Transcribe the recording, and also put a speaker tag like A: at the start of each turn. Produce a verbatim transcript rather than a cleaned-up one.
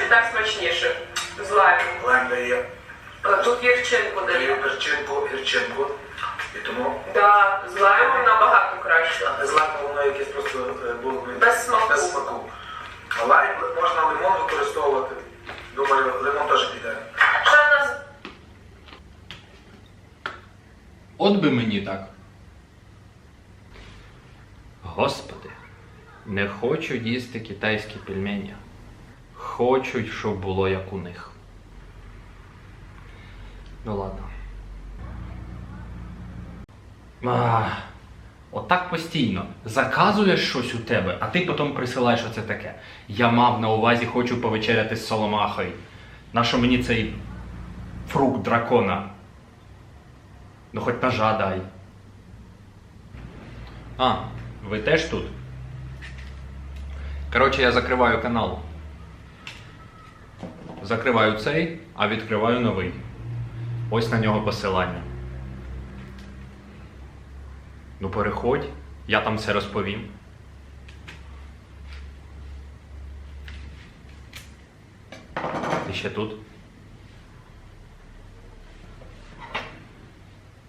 A: так смачніше. З лаймом.
B: Лайм дає.
A: Тут гірчинку
B: Дає
A: дає.
B: перчинку, гірчинку. І тому...
A: Да, з лаймом набагато краще.
B: А з лаймом воно якесь просто е, було
A: Без смаку.
B: без смаку. А лайм можна лимон використовувати. Думаю, лимон теж піде.
A: Що в нас?
C: От би мені так. Господи, не хочу їсти китайські пельмені. Хочуть, щоб було як у них. Ну ладно. А, отак постійно. Заказуєш щось у тебе, а ти потім присилаєш оце таке. Я мав на увазі, хочу повечеряти з соломахою. Нащо мені цей фрукт дракона? Ну хоч ножа дай. А, ви теж тут? Коротше, я закриваю канал. Закриваю цей, а відкриваю новий. Ось на нього посилання. Ну переходь, я там все розповім. Ти ще тут?